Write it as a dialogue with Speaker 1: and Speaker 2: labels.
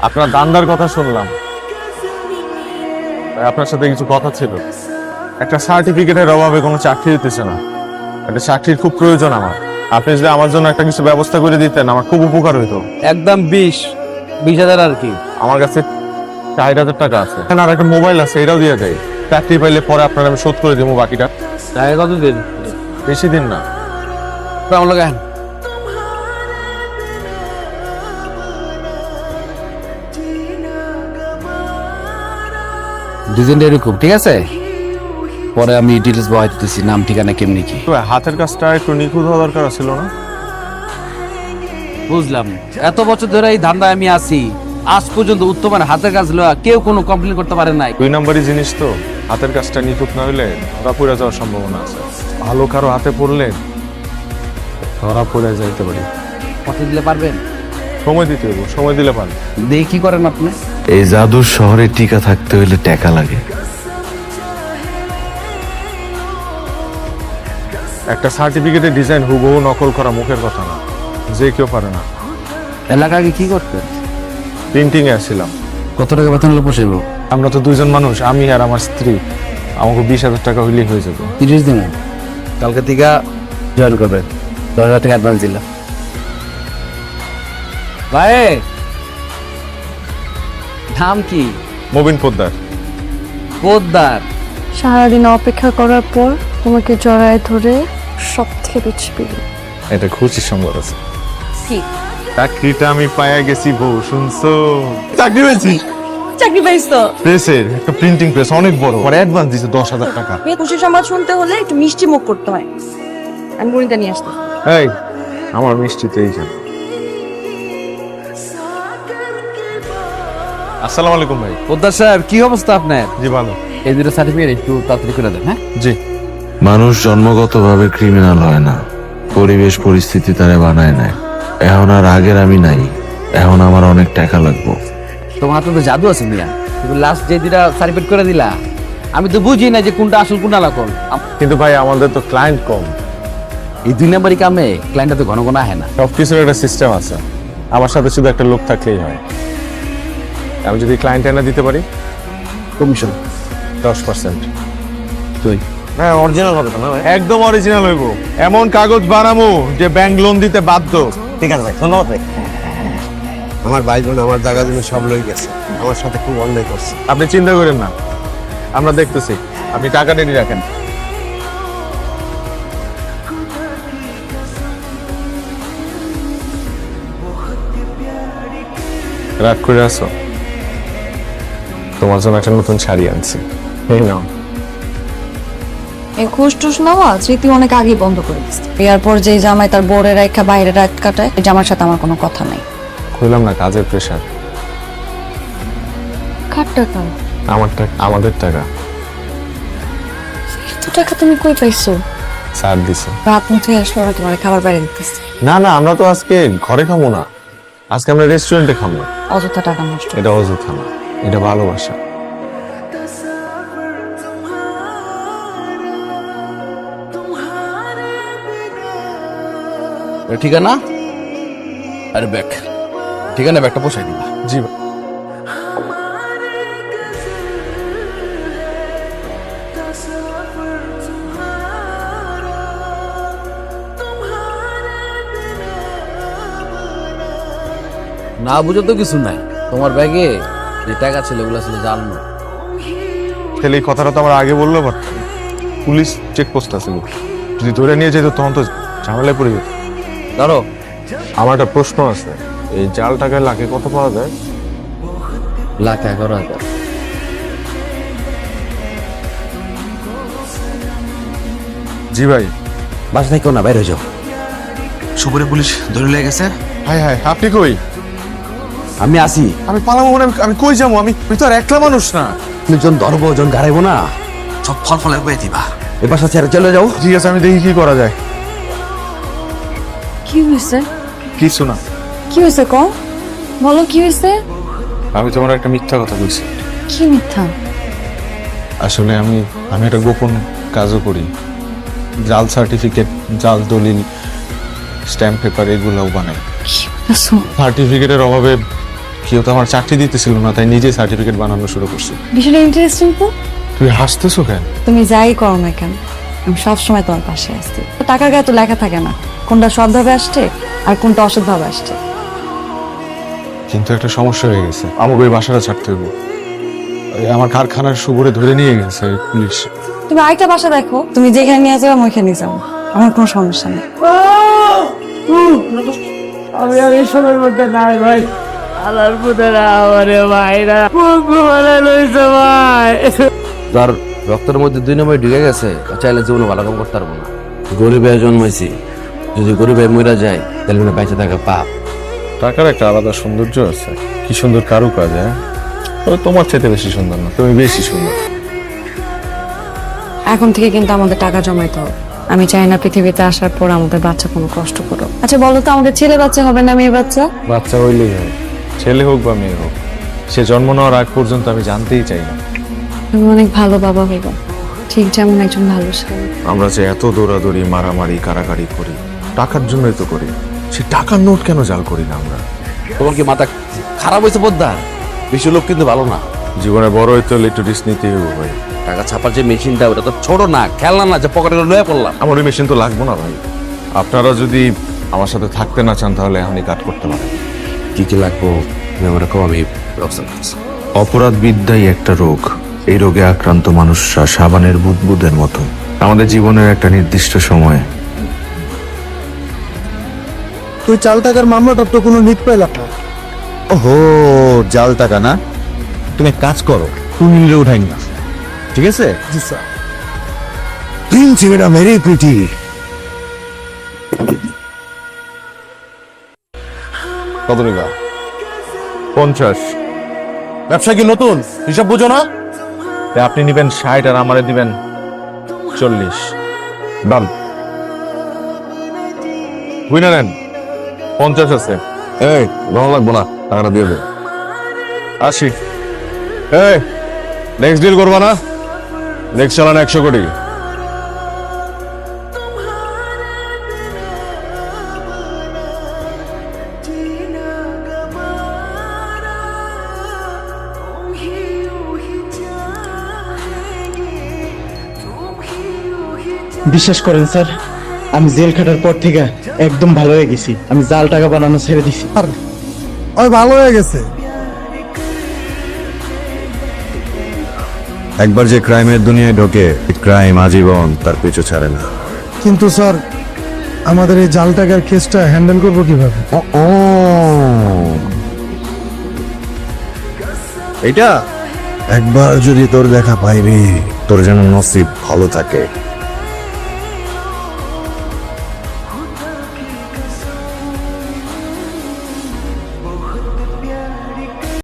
Speaker 1: আপনার দান্দার কথা শুনলাম, তাই আপনার সাথে কিছু কথা ছিল। একটা সার্টিফিকেটের অভাবে কোনো চাকরি দিতেছে না, একটা চাকরির খুব প্রয়োজন আমার। আপনি যদি আমার জন্য একটা কিছু ব্যবস্থা করে দিতেন আমার খুব উপকার হইতো।
Speaker 2: একদম 20,000 আর কি।
Speaker 1: আমার কাছে 4,000 টাকা আছে, এখানে আর একটা মোবাইল আছে, এটাও দিয়ে দেয়। চাকরি পাইলে পরে আপনার আমি শোধ করে দেবো বাকিটা।
Speaker 2: টাকা কত দিন?
Speaker 1: বেশি দিন না।
Speaker 2: আমার লাগান। দুদিনটা এরকম, ঠিক আছে? পরে আমি ডিটেলস বহাই দিতেছি, নাম ঠিকানা কেমনি কি।
Speaker 1: তো হাতের কাজটা একটু নিখুঁত হওয়া দরকার ছিল না?
Speaker 2: বুঝলাম, এত বছর ধরে এই ধান্দায় আমি আছি, আজ পর্যন্ত উত্তমের হাতের কাজ লওয়া কেউ কোনো কমপ্লেন করতে পারে নাই।
Speaker 1: 2 নম্বরই জিনিস তো, হাতের কাজটা নিখুঁত না হইলে ধরা পড়ে যাওয়ার সম্ভাবনা আছে। ভালো কারো হাতে পড়লে ধরা পড়ে যাইতে পারি।
Speaker 2: কত দিলে পারবেন?
Speaker 1: সময় দিতে হবে, সময় দিলে পারেন।
Speaker 2: দেখি কি করেন আপনি।
Speaker 3: এই জাদুর শহরে টিকা থাকতে হলে টাকা লাগে।
Speaker 1: একটা সার্টিফিকেটের ডিজাইন হুবহু নকল করা মুখের কথা না, যে কেউ পারে না।
Speaker 2: এলাকায় কি করতেন?
Speaker 1: প্রিন্টিং এ আসছিলাম।
Speaker 2: কত টাকা বেতন হলে পোষাইব?
Speaker 1: আমরা তো 2 জন মানুষ, আমি আর আমার স্ত্রী। আমাকে 20,000 টাকা হইলেই হয়ে যাবে।
Speaker 2: 30 দিন কালকে থেকে জয়েন করবেন। 10,000 টাকা অ্যাডভান্স দিলাম। ভাই, নাম কি?
Speaker 1: মবিন পোদ্দার।
Speaker 2: পোদ্দার।
Speaker 4: সারাদিন অপেক্ষা করার পর তোমাকে জড়ায় ধরে সব থেকে বেশি পেল।
Speaker 1: এটা খুশির সংবাদ আছে।
Speaker 4: কি
Speaker 1: চাকরিটা আমি পাইয়া গেছি বউ, শুনছো? চাকরি পেয়েছি।
Speaker 4: চাকরি পাইছো?
Speaker 1: প্রেসের একটা প্রিন্টিং প্রেস, অনেক বড়। পরে অ্যাডভান্স দিছে 10,000 টাকা।
Speaker 4: খুশি সংবাদ শুনতে হলে একটু মিষ্টি মুখ করতে হয়। আমি বনিতা নিয়ে আসতে।
Speaker 1: এই আমার মিষ্টিতে এইখানে। আসসালামু আলাইকুম ভাই।
Speaker 2: পোদ্দার সাহেব, কি অবস্থা আপনার?
Speaker 1: জি ভালো।
Speaker 2: এই দুটো সার্টিফিকেট একটু তাড়াতাড়ি করে দেন। হ্যাঁ,
Speaker 1: জি।
Speaker 3: মানুষ জন্মগতভাবে ক্রিমিনাল হয় না, পরিবেশ পরিস্থিতি তারে বানায় নেয়। এখন আর আগের আমি নাই, এখন আমার অনেক টাকা লাগবো।
Speaker 2: তোমার হাতে তো জাদু আছে মিয়া। তুমি লাস্ট যে দুটা সার্টিফিকেট করে দিলা, আমি তো বুঝি না যে কোনটা আসল কোনটা নকল।
Speaker 1: কিন্তু ভাই আমাদের তো ক্লায়েন্ট কম।
Speaker 2: এই 2 নম্বরই কামে ক্লায়েন্টটা তো ঘন ঘন আহে না।
Speaker 1: সবকিছুর একটা সিস্টেম আছে, আমার সাথে শুধু একটা লোক থাকলেই হয়। আমি যদি ক্লায়েন্ট এনে দিতে পারি
Speaker 2: কমিশন
Speaker 1: 10%।
Speaker 2: তুই
Speaker 1: হ্যাঁ, অরিজিনাল হবে না? একদম অরিজিনাল হইব, এমন কাগজ বানামু যে ব্যাংক লোন দিতে বাধ্য।
Speaker 5: ঠিক আছে ভাই, ধন্যবাদ ভাই। আমার ভাই বোন আমার জায়গা জমি সব লই গেছে, আমার সাথে খুব অন্যায় করছে।
Speaker 1: আপনি চিন্তা করেন না, আমরা দেখতেছি। আপনি টাকা রেডি রাখেন। রাগ করে আসো? তোমার জন্য একটা নতুন শাড়ি আনছি, এই নাও।
Speaker 4: এই ঘুষ টুস নেওয়া স্মৃতি অনেক আগে বন্ধ করে দিচ্ছে। এরপর যে জামাই তার বোরের রেখা বাইরে রাত কাটায়, এই জামার সাথে আমার কোনো কথা নাই।
Speaker 1: কইলাম না কাজের প্রেশার।
Speaker 4: কার টাকা?
Speaker 1: আমার টাকা, আমাদের টাকা।
Speaker 4: এত টাকা তুমি কই পাইছো?
Speaker 1: স্যার দিছে।
Speaker 4: রাত মুঠে আসলো না, তোমার খাবার বাইরে দিতেছে।
Speaker 1: না না, আমরা তো আজকে ঘরে খাবো না, আজকে আমরা রেস্টুরেন্টে খাবো।
Speaker 4: অযথা টাকা নষ্ট।
Speaker 1: এটা অযথা না, এটা ভালোবাসা।
Speaker 2: ঠিকানা? আরে ব্যাগ, ঠিকানা ব্যাগটা পোষাই দিবা।
Speaker 1: জি ভাই।
Speaker 2: না বুঝে তো কিছু নাই। তোমার ব্যাগে যে টাকা ছিল ওগুলো ছিল জানো।
Speaker 1: তাহলে এই কথাটা তো আমার আগে বললো, বাট পুলিশ চেকপোস্ট আছে, যদি ধরে নিয়ে যেত তখন তো ঝামেলায় পড়ে যেত।
Speaker 2: ধরো,
Speaker 1: আমার একটা প্রশ্ন আছে, এই জাল টাকায় লাখে কত পাওয়া যায়?
Speaker 2: 1,11,000।
Speaker 1: জি ভাই।
Speaker 2: বাসা থেকে না, বাইরে যাও। সুপুরে পুলিশ ধরে লেগে গেছে।
Speaker 1: হাই হাই, আপনি কই?
Speaker 2: আমি আসি।
Speaker 1: আমি পালাবো মানে আমি কই যাবো? আমি তো আর একলা মানুষ না।
Speaker 2: তুমি জন ধরবো, জন গাড়াইবো না, সব ফল ফলে বয়ে দিবা। এ বাসা ছেড়ে চলে যাও।
Speaker 1: ঠিক আছে, আমি দেখি কি করা যায়।
Speaker 4: কি হয়েছে?
Speaker 1: কিছু না।
Speaker 4: কি হয়েছে ক? বলো কি হয়েছে?
Speaker 1: আমি তোমার একটা মিথ্যা কথা বলছি।
Speaker 4: কি মিথ্যা?
Speaker 1: আসলে আমি একটা গোপন কাজও করি। জাল সার্টিফিকেট, জাল দলিল, স্ট্যাম্প পেপার এগুলোও বানাই।
Speaker 4: কি বলছো?
Speaker 1: সার্টিফিকেটের অভাবে কেউ তো আমার চাকরি দিতেছিল না, তাই নিজে সার্টিফিকেট বানানো শুরু করছি।
Speaker 4: বিষয়টা ইন্টারেস্টিং তো।
Speaker 1: তুই হাসতেছো কেন?
Speaker 4: তুমি যাই করো না কেন, আমি সবসময় তোমার পাশে আসছি। টাকার গায়ে তো লেখা থাকে না কোনটা সৎভাবে আসছে আর কোনটা অসৎভাবে আসছে।
Speaker 1: কিন্তু একটা সমস্যা হয়ে গেছে, আমাকে ওই বাসাটা ছাড়তে হবে। আমার কারখানার সুবরে ধরে নিয়ে গেছে পুলিশ।
Speaker 4: তুমি আরেকটা বাসা দেখো, তুমি যেখানে নিয়ে যাও আমি ওইখানে যাও, আমার কোনো সমস্যা নেই।
Speaker 2: আমি আর এই সময়ের মধ্যে নাই ভাই। আলার পুতেরা আমারে ভাইরা পঙ্গু বানাই লইছে ভাই। যার রক্তের মধ্যে 2 নম্বর ঢুকে গেছে, ও চাইলে জীবনে ভালো কাম করতে পারবো না। গরিবে জন্মাইছি, যদি গরিবে মরে যায় তাহলে মনে বেঁচে থাকা পাপ।
Speaker 1: টাকার একটা আলাদা সৌন্দর্য আছে, কি সুন্দর কারুকাজ। হ্যাঁ, তবে তোমার চাইতে বেশি সুন্দর না, তুমি বেশি সুন্দর।
Speaker 4: এখন থেকে কিন্তু আমাদের টাকা জমাইতে হবে। আমি চাই না পৃথিবীতে আসার পর আমাদের বাচ্চা কোনো কষ্ট করো। আচ্ছা বলো তো, আমাদের ছেলে বাচ্চা হবে না মেয়ে বাচ্চা?
Speaker 1: বাচ্চা হইলেই হয়, ছেলে হোক বা মেয়ে হোক। সে জন্ম নেওয়ার আগ পর্যন্ত আমি জানতেই চাই না।
Speaker 4: তুমি অনেক ভালো বাবা হইবা, ঠিক যেমন একজন ভালো স্বামী।
Speaker 1: আমরা যে এত দৌড়াদৌড়ি, মারামারি, কারাকারি করি, টাকার জন্যই তো করি। সে টাকার নোট কেন জাল করি না আমরা?
Speaker 2: তোমার কি মাথা খারাপ হয়েছে বোদ্ধা? বেশি লোক কিন্তু ভালো না।
Speaker 1: জীবনে বড় হইতে হলে একটু রিস্ক নিতেই হবে ভাই।
Speaker 2: টাকা ছাপার যে মেশিনটা, ওটা তো ছোট না, খেলনা না যে পকেটে লয়ে পড়লাম।
Speaker 1: আমার ওই মেশিন তো লাগবো না ভাই। আপনারা যদি আমার সাথে থাকতে না চান তাহলে এখনই কাট করতে পারেন।
Speaker 2: কি কি লাগবো আমার কম, আমি ব্যবস্থা করছি।
Speaker 3: অপরাধ বিদ্যাই একটা রোগ। এই রোগে আক্রান্ত মানুষরা সাবানের বুদবুদের মতো। আমাদের জীবনের একটা নির্দিষ্ট সময়ে
Speaker 6: তুই চাল টাকার মামলাটার তো কোনো নিট পাইলাম না।
Speaker 5: ওহো, জাল টাকা না? তুমি এক কাজ করো, তুমি নিলে উঠাই না, ঠিক আছে?
Speaker 6: জি স্যার।
Speaker 5: প্রিন্সিপেরা মেরি প্রিটি।
Speaker 1: কত টাকা? 50।
Speaker 5: ব্যবসা কি নতুন, হিসাব বুঝো না?
Speaker 1: আপনি নিবেন 60 আর আমারে দিবেন 40। ডান। বুঝনা নেন, 50 আছে।
Speaker 5: এই ভালো লাগবো না, টাকাটা দিয়ে দে।
Speaker 1: 80। এই নেক্সট ডিল করবা না? নেক্সট চালান 100 কোটি।
Speaker 6: বিশ্বাস করেন স্যার, আমি জেল খাটার পর থেকে একদম ভালো হয়ে গেছি। আমি জাল টাকা বানানো ছেড়ে দিছি। আর ওই ভালো হয়ে গেছে।
Speaker 5: একবার যে ক্রাইমের দুনিয়ায় ঢোকে, ক্রাইম আজীবন তার পিছু ছাড়ে না।
Speaker 6: কিন্তু স্যার, আমাদের এই জাল টাকার কেসটা হ্যান্ডেল করবো কিভাবে?
Speaker 5: এইটা একবার যদি তোর দেখা পাইবি, তোর যেন নসিব ভালো থাকে।